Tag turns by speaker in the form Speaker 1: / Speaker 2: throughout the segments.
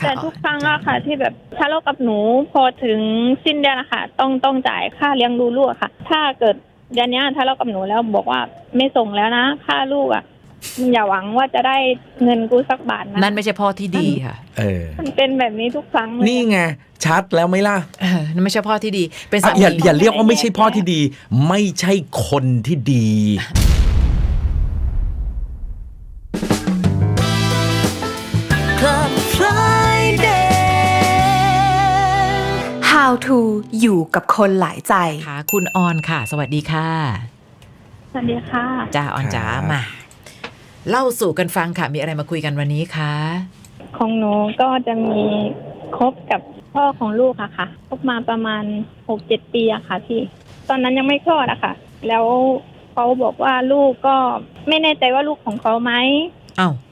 Speaker 1: แต่ทุกครั้งอะค่ะที่แบบทะเลาะกับหนูพอถึงสิ้นเดือนอะค่ะต้องจ่ายค่าเลี้ยงดูลูกอะค่ะถ้าเกิดเดือนนี้ทะเลาะกับหนูแล้วบอกว่าไม่ส่งแล้วนะค่าลูกอะอย่าหวังว่าจะได้เงินกูสักบาทนะ
Speaker 2: นั่นไม่ใช่พ่อที่ดีค่ะ
Speaker 1: มันเป็นแบบนี้ทุกครั้งเลย
Speaker 3: นี่ไงชัดแล้วไหมล่ะ
Speaker 2: นั่นไม่ใช่พ่อที่ดีเป็นสามี
Speaker 3: อย่าเรียกว่าไม่ใช่พ่อที่ดีไม่ใช่คนที่ดี
Speaker 4: Club Friday How to อยู่กับคนหลายใจ
Speaker 2: ค่ะคุณออนค่ะสวัสดีค่ะ
Speaker 1: สวัสดีค่ะ
Speaker 2: จ้าออนจ๋ามาเล่าสู่กันฟังค่ะมีอะไรมาคุยกันวันนี้คะ
Speaker 1: ของหนูก็จะมีคบกับพ่อของลูกอะค่ะคบมาประมาณ 6-7 ปีอะค่ะพี่ตอนนั้นยังไม่คลอดอะค่ะแล้วเขาบอกว่าลูกก็ไม่แน่ใจว่าลูกของเขาไหม
Speaker 2: อ้าว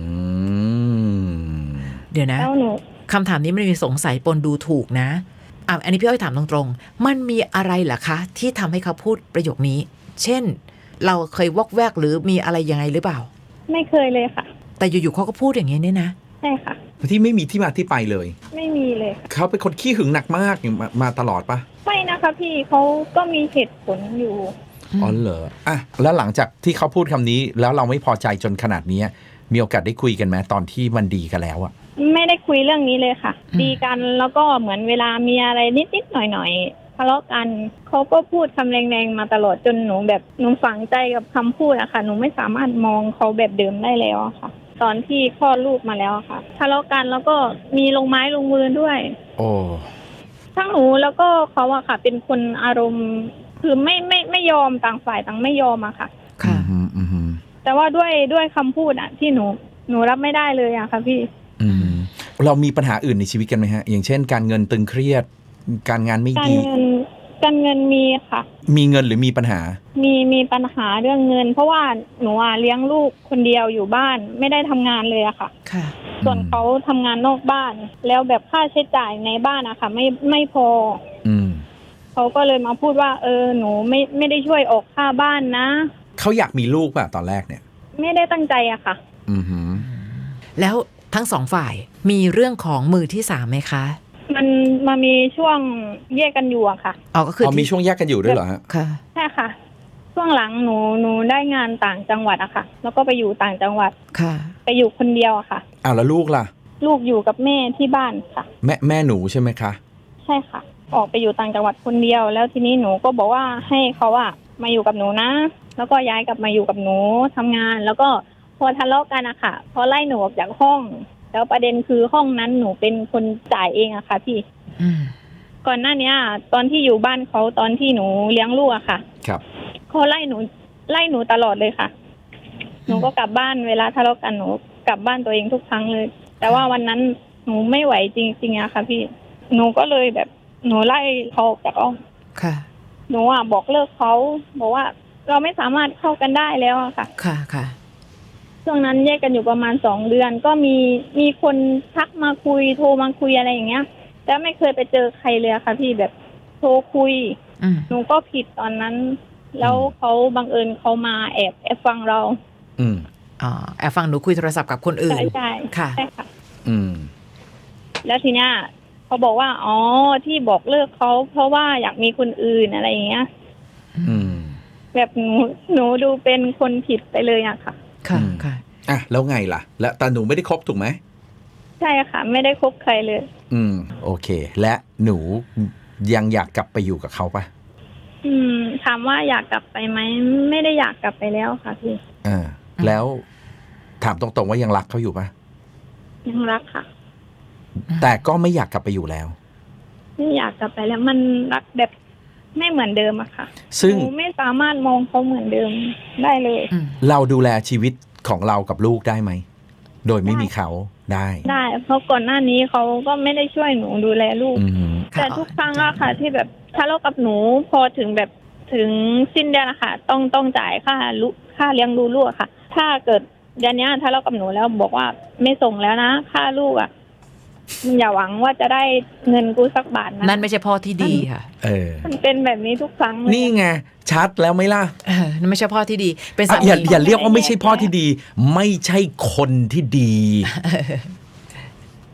Speaker 2: เดี๋ยวนะ
Speaker 1: แล้วหนู
Speaker 2: คำถามนี้มันมีสงสัยปนดูถูกนะอันนี้พี่อ้อยถามตรงๆมันมีอะไรเหรอคะที่ทำให้เขาพูดประโยคนี้เช่นเราเคยวอกแวกหรือมีอะไรยังไงหรือเปล่า
Speaker 1: ไม่เคยเลยค่ะ
Speaker 2: แต่อยู่ๆเขาก็พูดอย่างนี้เนี่ยนะ
Speaker 1: ใช่ค่ะ
Speaker 3: ที่ไม่มีที่มาที่ไปเลย
Speaker 1: ไม่มีเลยค่ะ
Speaker 3: เขาเป็นคนขี้หึงหนักมากมาตลอดปะ
Speaker 1: ไม่นะคะพี่เขาก็มีเหตุผลอยู่
Speaker 3: อ๋อเหรออ่ะแล้วหลังจากที่เขาพูดคำนี้แล้วเราไม่พอใจจนขนาดนี้มีโอกาสได้คุยกันไหมตอนที่มันดีกันแล้วอะ
Speaker 1: ไม่ได้คุยเรื่องนี้เลยค่ะดีกันแล้วก็เหมือนเวลามีอะไรนิดๆหน่อยๆทะเลาะกันเขาก็พูดคำแรงๆมาตลอดจนหนูแบบหนูฝังใจกับคำพูดอะค่ะหนูไม่สามารถมองเขาแบบเดิมได้แล้วอะค่ะตอนที่คลอดลูกมาแล้วค่ะทะเลาะกันแล้วก็มีลงไม้ลงมือด้วย
Speaker 3: โอ้
Speaker 1: ทั้งหนูแล้วก็เขาอะค่ะเป็นคนอารมณ์คือไม่ยอมต่างฝ่ายต่างไม่ยอมอะค่ะ
Speaker 2: ค่ะ
Speaker 1: แต่ว่าด้วยคำพูดอะที่หนูรับไม่ได้เลยอะค่ะพี่
Speaker 3: เรามีปัญหาอื่นในชีวิตกันไหมฮะอย่างเช่นการเงินตึงเครียดการงานไม่ดี
Speaker 1: การเงินมีค่ะ
Speaker 3: มีเงินหรือมีปัญหา
Speaker 1: มีปัญหาเรื่องเงินเพราะว่าหนูเลี้ยงลูกคนเดียวอยู่บ้านไม่ได้ทำงานเลยอะค่ะส่วนเขาทำงานนอกบ้านแล้วแบบค่าใช้จ่ายในบ้านอะค่ะไม่พอเขาก็เลยมาพูดว่าหนูไม่ได้ช่วยออกค่าบ้านนะ
Speaker 3: เขาอยากมีลูกป่ะตอนแรกเนี่ย
Speaker 1: ไม่ได้ตั้งใจอะค่ะ
Speaker 2: แล้วทั้งสองฝ่ายมีเรื่องของมือที่สามไหมคะ
Speaker 1: มันมามีช่วงแยกกันอยู่อะค่ะ
Speaker 2: ก็คือ
Speaker 3: มีช่วงแยกกันอยู่ด้วยเหรอฮะ
Speaker 2: ค่ะ
Speaker 1: ใช่ค่ะช่วงหลังหนูได้งานต่างจังหวัดอะค่ะแล้วก็ไปอยู่ต่างจังหวัด
Speaker 2: ค่ะ
Speaker 1: ไปอยู่คนเดียวอะค่ะ
Speaker 3: แล้วลูกล่ะ
Speaker 1: ลูกอยู่กับแม่ที่บ้านค่ะ
Speaker 3: แม่หนูใช่ไหมคะ
Speaker 1: ใช่ค่ะออกไปอยู่ต่างจังหวัดคนเดียวแล้วทีนี้หนูก็บอกว่าให้เขาอะมาอยู่กับหนูนะแล้วก็ย้ายกลับมาอยู่กับหนูทำงานแล้วก็พอทะเลาะกันอะค่ะพอไล่หนูออกจากห้องแล้วประเด็นคือห้องนั้นหนูเป็นคนจ่ายเองอะค่ะพี่ก่อนหน้านี้ตอนที่อยู่บ้านเขาตอนที่หนูเลี้ยงลูกอะค่ะ
Speaker 3: ครับ
Speaker 1: เขาไล่หนูตลอดเลยค่ะหนูก็กลับบ้านเวลาทะเลาะกันหนูกลับบ้านตัวเองทุกครั้งเลยแต่ว่าวันนั้นหนูไม่ไหวจริงๆอะค่ะพี่หนูก็เลยแบบหนูไล่เขาออกจากห้อง
Speaker 2: ค่ะ
Speaker 1: หนูบอกเลิกเขาบอกว่าเราไม่สามารถเข้ากันได้แล้วอะค่ะ
Speaker 2: ค่ะ
Speaker 1: ช่วงนั้นแยกกันอยู่ประมาณ2 เดือนก็มีคนทักมาคุยโทรมาคุยอะไรอย่างเงี้ยแต่ไม่เคยไปเจอใครเลยค่ะพี่แบบโทรคุยหนูก็ผิดตอนนั้นแล้วเขาบังเอิญเขามาแอบฟังเรา
Speaker 2: แอบฟังหนูคุยโทรศัพท์กับคนอื่น
Speaker 1: ใช่
Speaker 2: ค่ะ
Speaker 1: แล้วทีเนี้ยเขาบอกว่าที่บอกเลิกเขาเพราะว่าอยากมีคนอื่นอะไรอย่างเงี้ยแบบหนูดูเป็นคนผิดไปเลยอะค่ะ
Speaker 2: ค่ะ
Speaker 3: แล้วไงล่ะแล้วแต่หนูไม่ได้คบถูกไหม
Speaker 1: ใช่ค่ะไม่ได้คบใครเลย
Speaker 3: โอเคและหนูยังอยากกลับไปอยู่กับเขาปะ
Speaker 1: ถามว่าอยากกลับไปไหมไม่ได้อยากกลับไปแล้วค่ะพี่
Speaker 3: แล้วถามตรงๆว่ายังรักเขาอยู่ปะ
Speaker 1: ยังรักค่ะ
Speaker 3: แต่ก็ไม่อยากกลับไปอยู่แล้ว
Speaker 1: ไม่อยากกลับไปแล้วมันรักแบบไม่เหมือนเดิมอะค่ะ
Speaker 3: ซึ่ง
Speaker 1: หนูไม่สามารถมองเขาเหมือนเดิมได้เลย
Speaker 3: เราดูแลชีวิตของเรากับลูกได้ไหมโดยไม่มีเขาได้
Speaker 1: เพราะก่อนหน้านี้เขาก็ไม่ได้ช่วยหนูดูแลลูกแต่ทุกครั้งอะค่ะที่แบบทะเลาะกับหนูพอถึงแบบถึงสิ้นเดือนอะค่ะต้องจ่ายค่าเลี้ยงดูลูกอะค่ะถ้าเกิดเดือนนี้ทะเลาะกับหนูแล้วบอกว่าไม่ส่งแล้วนะค่าลูกอะอย่าหวังว่าจะได้เงินกูสักบาทนะ
Speaker 2: นั่นไม่ใช่พ่อที่ดีค่ะ
Speaker 1: มันเป็นแบบนี้ทุกครั้ง
Speaker 3: นี่ไงชัดแล้วไหมล่ะ
Speaker 2: นั่นไม่ใช่พ่อที่ดีเป็นสามี
Speaker 3: อย่าเรียกว่าไม่ใช่พ่อที่ดีไม่ใช่คนที่ดี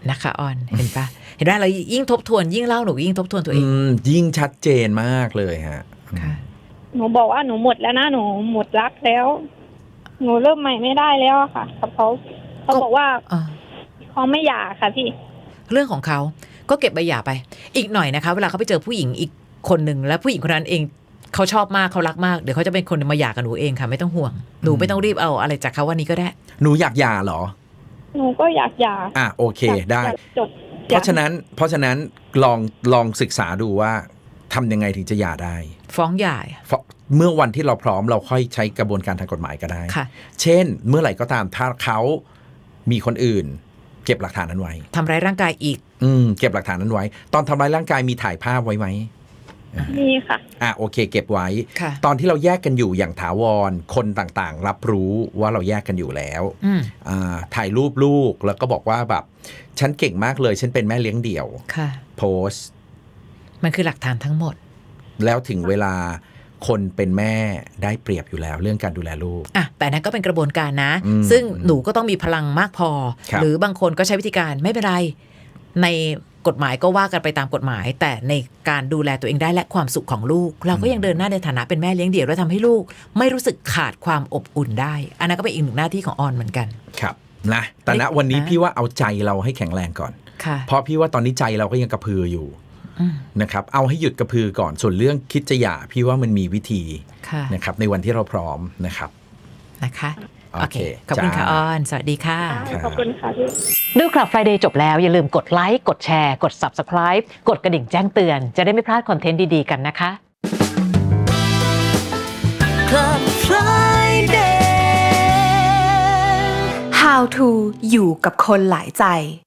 Speaker 2: นะคะออนเห็นปะเห็นว่าเรายิ่งทบทวนยิ่งเล่าหนูยิ่งทบทวนตัวเอง
Speaker 3: ยิ่งชัดเจนมากเลยฮะ
Speaker 2: ค่ะ
Speaker 1: หนูบอกว่าหนูหมดแล้วนะหนูหมดรักแล้ว หนูเริ่มใหม่ไม่ได้แล้วอะค่ะกับเขาบอกว่าเขาไม่หย่าค่ะพี่
Speaker 2: เรื่องของเขาก็เก็บใบหย่าไปอีกหน่อยนะคะเวลาเขาไปเจอผู้หญิงอีกคนหนึ่งแล้วผู้หญิงคนนั้นเองเขาชอบมากเขารักมากเดี๋ยวเขาจะเป็นคนมาหย่ากับหนูเองค่ะไม่ต้องห่วงหนูไม่ต้องรีบเอาอะไรจากเขาวันนี้ก็ได้
Speaker 3: หนูอยากหย่าเหรอ
Speaker 1: หนูก็อยากหย่า
Speaker 3: โอเคได้
Speaker 1: อยากจบ
Speaker 3: เพราะฉะนั้นลองศึกษาดูว่าทำยังไงถึงจะหย่าได้
Speaker 2: ฟ้องหย่า
Speaker 3: เมื่อวันที่เราพร้อมเราค่อยใช้กระบวนการทางกฎหมายก็ได้
Speaker 2: ค่ะ
Speaker 3: เช่น เมื่อไหร่ก็ตามถ้าเขามีคนอื่น เก็บหลักฐานนั้นไว้
Speaker 2: ทำร้ายร่างกายอีก
Speaker 3: เก็บหลักฐานนั้นไว้ ตอนทำร้ายร่างกายมีถ่ายภาพไว้ไหม
Speaker 1: มีค่ะ
Speaker 3: โอเค เก็บไว้
Speaker 2: ค่ะ
Speaker 3: ตอนที่เราแยกกันอยู่อย่างถาวรคนต่างๆ รับรู้ว่าเราแยกกันอยู่แล้ว ถ่ายรูปลูกแล้วก็บอกว่าแบบฉันเก่งมากเลยฉันเป็นแม่เลี้ยงเดี่ยว
Speaker 2: ค่ะ
Speaker 3: โพสต์
Speaker 2: มันคือหลักฐานทั้งหมด
Speaker 3: แล้วถึงเวลาคนเป็นแม่ได้เปรียบอยู่แล้วเรื่องการดูแลลูก
Speaker 2: แต่นั้นก็เป็นกระบวนการนะ
Speaker 3: อืม
Speaker 2: ซึ่งหนูก็ต้องมีพลังมากพอ
Speaker 3: ครับ
Speaker 2: หรือบางคนก็ใช้วิธีการไม่เป็นไรในกฎหมายก็ว่ากันไปตามกฎหมาย แต่ในการดูแลตัวเองได้และความสุขของลูก เราก็ยังเดินหน้าในฐานะเป็นแม่เลี้ยงเดี่ยวและทำให้ลูกไม่รู้สึกขาดความอบอุ่นได้ อันนั้นก็เป็นอีกหนึ่งหน้าที่ของออนเหมือนกัน
Speaker 3: ครับนะแต่ณวันนี้พี่ว่าเอาใจเราให้แข็งแรงก่อน
Speaker 2: ค่ะ
Speaker 3: เพราะพี่ว่าตอนนี้ใจเราก็ยังกระพืออยู่นะครับเอาให้หยุดกระพือก่อนส่วนเรื่องคิดจะหย่าพี่ว่ามันมีวิธี
Speaker 2: ค่ะ
Speaker 3: นะครับในวันที่เราพร้อมนะครับ
Speaker 2: นะคะ
Speaker 3: โอเค
Speaker 2: ขอบคุณค่ะ
Speaker 3: จ้า
Speaker 2: ออนสวัสดีค่ะ
Speaker 1: ขอบคุณค่ะพี่
Speaker 5: ดูคลับ Friday จบแล้วอย่าลืมกดไลค์กดแชร์กด Subscribe กดกระดิ่งแจ้งเตือนจะได้ไม่พลาดคอนเทนต์ดีๆกันนะคะ
Speaker 4: Club Friday How to อยู่กับคนหลายใจ